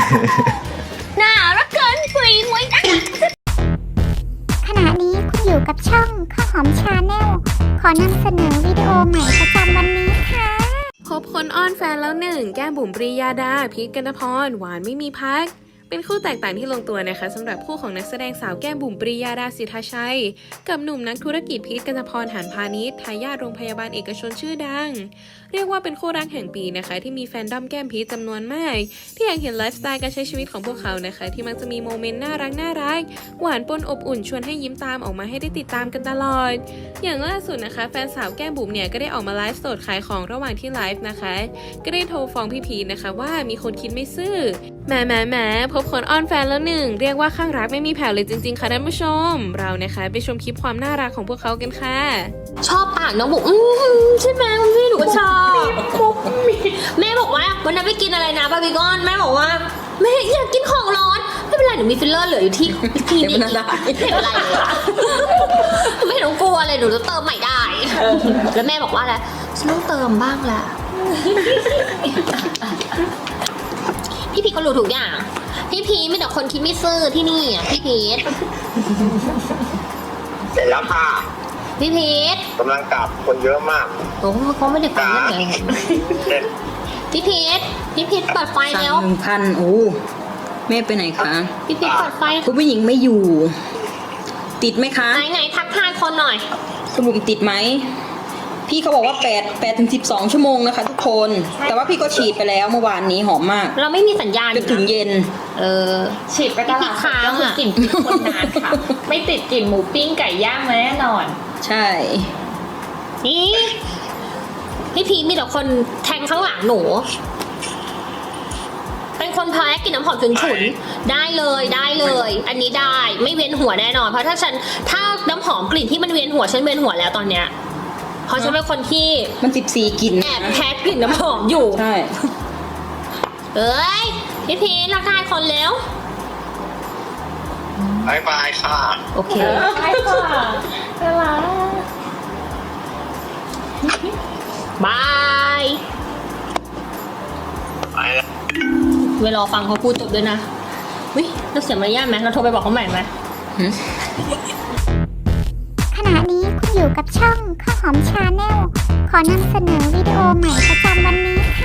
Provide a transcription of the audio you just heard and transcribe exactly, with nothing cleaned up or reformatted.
น่ารักเกินปุยมวยนะขณะนี้คุณอยู่กับช่องข้าวหอมชาแนลขอนำเสนอวิดีโอใหม่ประจำวันนี้ค่ะคบคนอ้อนแฟนแล้วหนึ่งแก้มบุ๋มปรียาดาพีทกนพรหวานไม่มีพักเป็นคู่แตกต่างที่ลงตัวนะคะสำหรับคู่ของนักแสดงสาวแก้มบุ๋มปรียาดาสิทธาชัยกับหนุ่มนักธุรกิจพีทกนพรหานพาณิชย์ทายาทโรงพยาบาลเอกชนชื่อดังเรียกว่าเป็นคู่รักแห่งปีนะคะที่มีแฟนด้อมแก้มพีทจำนวนมากที่อยากเห็นไลฟ์สไตล์การใช้ชีวิตของพวกเขานะคะที่มักจะมีโมเมนต์น่ารักน่ารักหวานปนอบอุ่นชวนให้ยิ้มตามออกมาให้ได้ติดตามกันตลอดอย่างล่าสุดนะคะแฟนสาวแก้มบุ๋มเนี่ยก็ได้ออกมาไลฟ์สดขายของระหว่างที่ไลฟ์นะคะก็ได้โทรฟ้องพี่พีทนะคะว่ามีคนคิดไม่ซื่อแหมแหมแหมพบคนอ้อนแฟนแล้วหนึ่งเรียกว่าข้างรักไม่มีแผ่วเลยจริงๆค่ะท่านผู้ชมเรานะคะไปชมคลิปความน่ารักของพวกเขากันค่ะชอบปากน้องบุ๋มใช่ไหมคุณพี่หนูก็ชอบแม่บอกว่าวันนั้นไปกินอะไรนะบาร์บีคอนแม่บอกว่าแม่อยากกินของร้อนไม่เป็นไรหนูมีฟิลเลอร์เหลืออยู่ที่ที่นี่ไม่เป็นไรเลยไม่ต้องกลัวเลยหนูจะเติมใหม่ได้แล้วแม่บอกว่าอะไรฉันต้องเติมบ้างแหละพี่พีทก็รู้ทุกอย่างพี่พีทไม่แต่คนคิดไม่ซื่อที่นี่อ่ะพี่พีทเสร็จแล้วค่ะพี่พีทกำลังกลับคนเยอะมากโอ้เขาไม่ได้ฟังยังไงพี่พีทพี่พีทเปิดไฟแล้วหนึ่งพันโอ้แม่ไปไหนคะพี่พีทเปิดไฟคุณผู้หญิงไม่อยู่ ติดไหมคะไหนไหนทักทายคนหน่อยคุณบุ๋มติดไหมพี่เขาบอกว่าแปด แปดถึงสิบสองชั่วโมงนะคะทุกคนแต่ว่าพี่ก็ฉีดไปแล้วเมื่อวานนี้หอมมากเราไม่มีสัญญาณจนถึงเย็นเออฉีดไปตลาดค้างคือกลิ่นคนนานค่ะไม่ติดกลิ่นหมูปิ้งไก่ย่างแน่นอนใช่นี่พี่พีมีแต่คนแทงข้างหลังหนูเป็นคนแพ้กินน้ำหอมฉุนๆได้เลยได้เลยอันนี้ได้ไม่เวียนหัวแน่นอนเพราะถ้าฉันถ้าน้ำหอมกลิ่นที่มันเวียนหัวฉันเวียนหัวแล้วตอนเนี้ยเพราะฉันเป็นคนที่มันสิบสี่กลิ่นแอบแพ้กลิ่นน้ำหอมอยู่ใช่เอ้ยพี่พีรักทายคนแล้วบายบายค่ะโอเคใช่ค่ะเวลาบายไปแล้วเวลาฟังเขาพูดจบด้วยนะวิเราเสียมารยาทไหมเราโทรไปบอกเขาใหม่ไหมขณะนี้คุณอยู่กับช่องข้าวหอมชาแนลขอนำเสนอวิดีโอใหม่ประจำวันนี้ค่ะ